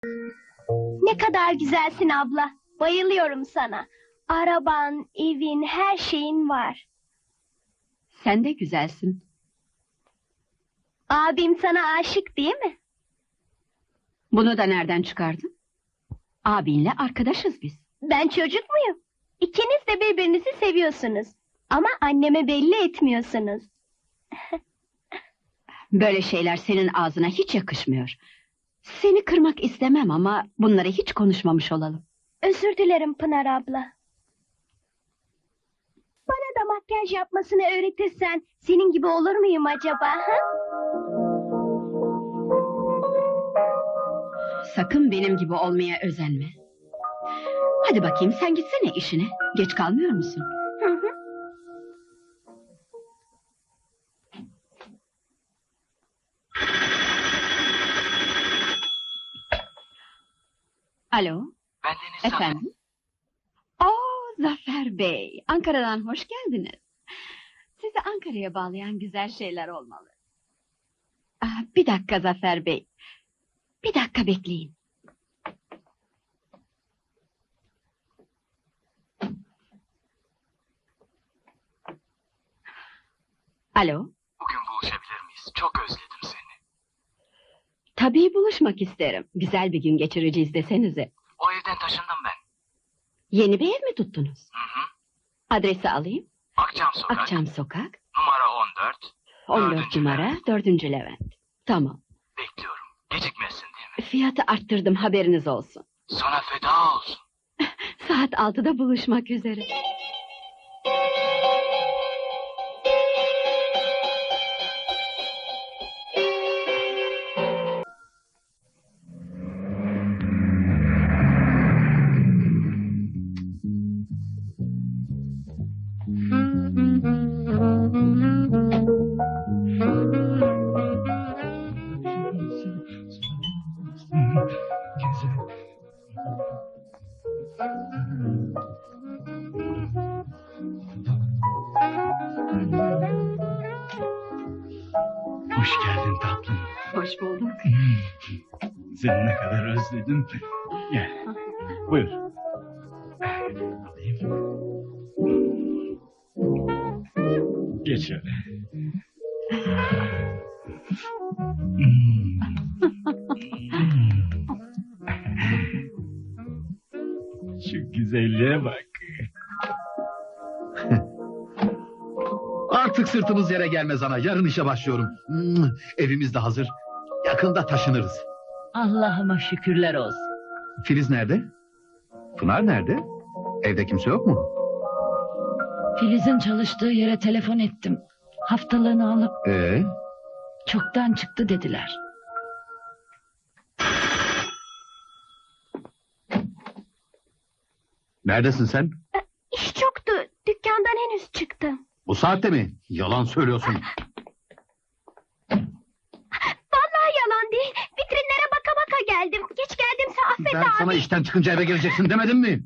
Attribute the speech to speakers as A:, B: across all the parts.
A: Ne kadar güzelsin abla. Bayılıyorum sana. Araban, evin, her şeyin var.
B: Sen de güzelsin.
A: Abim sana aşık değil mi?
B: Bunu da nereden çıkardın? Abinle arkadaşız biz.
A: Ben çocuk muyum? İkiniz de birbirinizi seviyorsunuz. Ama anneme belli etmiyorsunuz.
B: Böyle şeyler senin ağzına hiç yakışmıyor. Seni kırmak istemem ama bunları hiç konuşmamış olalım.
A: Özür dilerim Pınar abla. Bana da makyaj yapmasını öğretirsen senin gibi olur muyum acaba? Ha?
B: Sakın benim gibi olmaya özenme. Hadi bakayım sen gitsene işine. Geç kalmıyor musun?
A: Hı hı.
B: Alo,
C: Ben Deniz Zafer.
B: efendim? Zafer Bey, Ankara'dan hoş geldiniz. Sizi Ankara'ya bağlayan güzel şeyler olmalı. Bir dakika Zafer Bey. Bir dakika bekleyin. Alo,
C: Bugün buluşabilir miyiz? Çok özledim seni.
B: tabii buluşmak isterim. Güzel bir gün geçireceğiz desenize.
C: O evden taşındım ben.
B: Yeni bir ev mi tuttunuz?
C: Hı hı.
B: Adresi alayım.
C: Akçam Sokak,
B: Akçam Sokak,
C: numara 14.
B: 14
C: Dördüncü
B: numara,
C: Levent.
B: 4. Levent. Tamam.
C: Bekliyorum. Gecikmesin değil mi?
B: Fiyatı arttırdım, haberiniz olsun.
C: Sana feda olsun.
B: Saat 6'da buluşmak üzere.
D: Hoş geldin tatlım.
B: Hoş bulduk.
D: Seni ne kadar özledim. Gel. Buyur. Alayım. Geç şöyle. Şu güzelliğe bak.
E: Artık sırtımız yere gelmez ana. Yarın işe başlıyorum. Evimiz de hazır. Yakında taşınırız.
F: Allah'ıma şükürler olsun.
E: Filiz nerede? Pınar nerede? Evde kimse yok mu?
F: Filiz'in çalıştığı yere telefon ettim. Haftalığını alıp
E: Ee,
F: çoktan çıktı dediler.
E: neredesin sen?
A: İş çoktu. Dükkandan henüz çıktım.
E: Bu saatte mi? Yalan söylüyorsun.
A: Vallahi yalan değil. Vitrinlere baka baka geldim. Geç geldimse affet
E: Ben
A: abi.
E: sana işten çıkınca eve geleceksin demedim mi?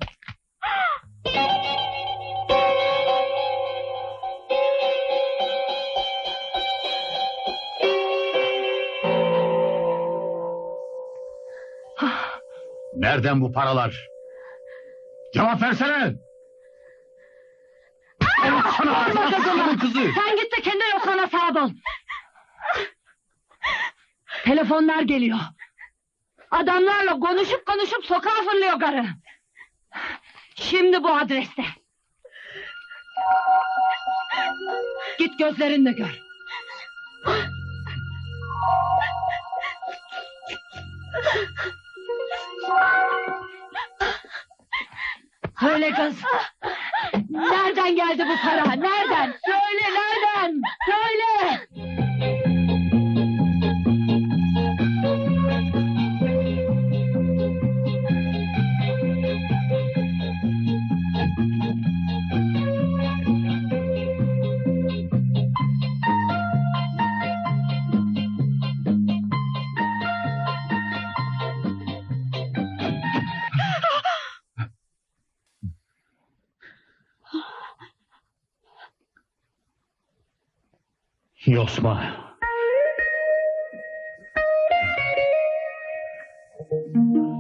E: Nereden bu paralar? Cevap versene! Sana kızı!
F: Sen git de kendi yokluğuna sahip ol. Telefonlar geliyor. Adamlarla konuşup konuşup sokağa fırlıyor karı. Şimdi bu adreste. Git gözlerinle gör. Söyle kız. Nereden geldi bu para? Nereden? Söyle nereden? Söyle.
D: Yosma.